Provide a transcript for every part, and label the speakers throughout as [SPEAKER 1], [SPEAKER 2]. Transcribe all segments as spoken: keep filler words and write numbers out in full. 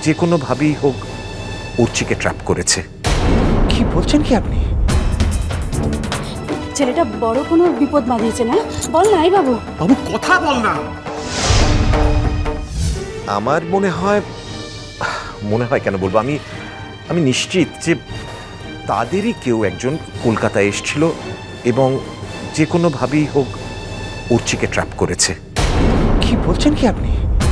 [SPEAKER 1] যে কোনোভাবেই হোক উর্চিকে ট্র্যাপ করেছে।
[SPEAKER 2] কি বলছেন কি আপনি?
[SPEAKER 3] ছেলেটা বড় কোনো বিপদ বাঁধিয়েছে না? বল নাই বাবু।
[SPEAKER 4] বাবু কথা বল না।
[SPEAKER 1] আমার মনে হয় মনে হয় কেন বলবো, আমি আমি নিশ্চিত যে তাদেরই কেউ একজন কলকাতায় এসেছিল এবং যে কোনোভাবেই হোক উর্চিকে ট্র্যাপ করেছে।
[SPEAKER 2] কি বলছেন কি আপনি?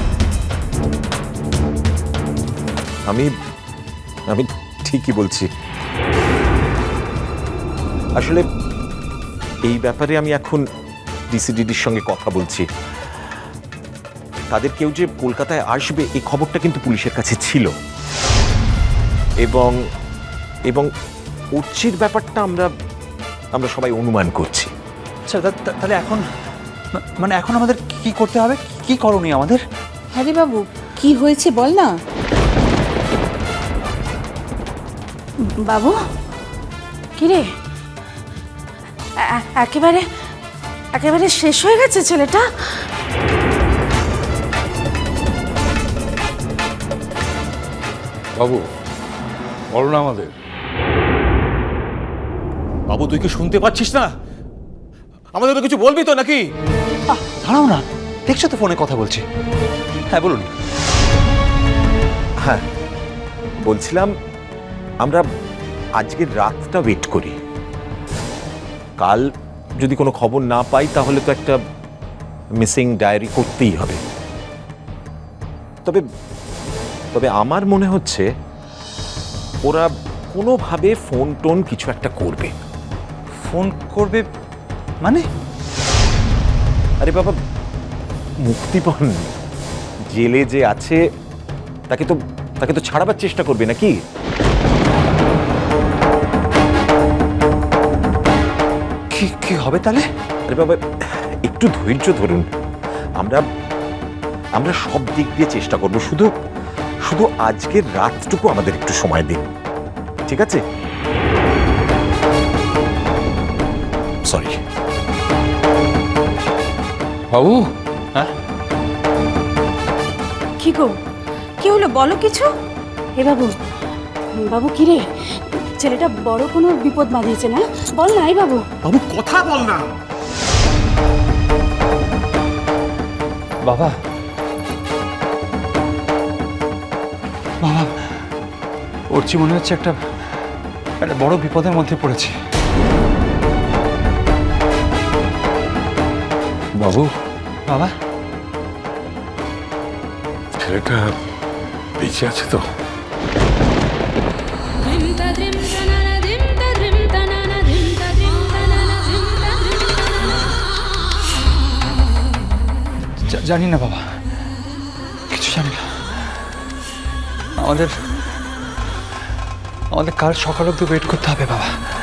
[SPEAKER 1] আমি আমি ঠিকই বলছি। আসলে এই ব্যাপারে আমি এখন ডিসিডিডির সঙ্গে কথা বলছি। তাদের কেউ যে কলকাতায় আসবে এই খবরটা কিন্তু পুলিশের কাছে ছিল, এবং এবং উর্চির ব্যাপারটা আমরা আমরা সবাই অনুমান করছি।
[SPEAKER 2] আচ্ছা, তাহলে এখন মানে এখন আমাদের কি করতে হবে? কি করণীয় আমাদের?
[SPEAKER 3] হ্যারি বাবু, কি হয়েছে বল না। বাবু কিরে, একেবারে একেবারে শেষ হয়ে গেছে ছেলেটা।
[SPEAKER 5] বাবু বলো না আমাদের। বাবু তুই কি শুনতে পাচ্ছিস না? আমাদের তো কিছু বলবি তো নাকি?
[SPEAKER 2] দাঁড়াও না, দেখছো তো ফোনে কথা বলছি। হ্যাঁ বলুন।
[SPEAKER 1] হ্যাঁ বলছিলাম, আমরা আজকের রাতটা ওয়েট করি। কাল যদি কোনো খবর না পাই তাহলে তো একটা মিসিং ডায়েরি করতেই হবে। তবে তবে আমার মনে হচ্ছে ওরা কোনোভাবে ফোন টোন কিছু একটা করবে।
[SPEAKER 2] ফোন করবে মানে?
[SPEAKER 1] আরে বাবা, মুক্তিপণ জেলে যে আছে তাকে তো তাকে তো ছাড়াবার চেষ্টা করবে নাকি?
[SPEAKER 2] কি কি হবে তাহলে?
[SPEAKER 1] আরে বাবা, একটু ধৈর্য ধরুন। আমরা আমরা সব দিক দিয়ে চেষ্টা করব, শুধু শুধু আজকের রাতটুকু আমাদের একটু সময় দিন, ঠিক আছে? সরি
[SPEAKER 5] বাবু।
[SPEAKER 2] হ্যাঁ
[SPEAKER 3] কি গো, কি হলো বলো কিছু। হে বাবু, বাবু কিরে, ছেলেটা বড় কোনো বিপদ বাঁধিয়েছে না? বল নাই বাবু।
[SPEAKER 4] বাবু কথা বল না।
[SPEAKER 2] বাবা, বাবা ওরচি মনে হচ্ছে একটা একটা বড় বিপদের মধ্যে পড়েছে।
[SPEAKER 5] বাবু
[SPEAKER 2] বাবা,
[SPEAKER 5] ছেলেটা বেঁচে আছে তো?
[SPEAKER 2] জানি না বাবা, কিছু জানি না। আমাদের আমাদের কাল সকাল অব্দি ওয়েট করতে হবে বাবা।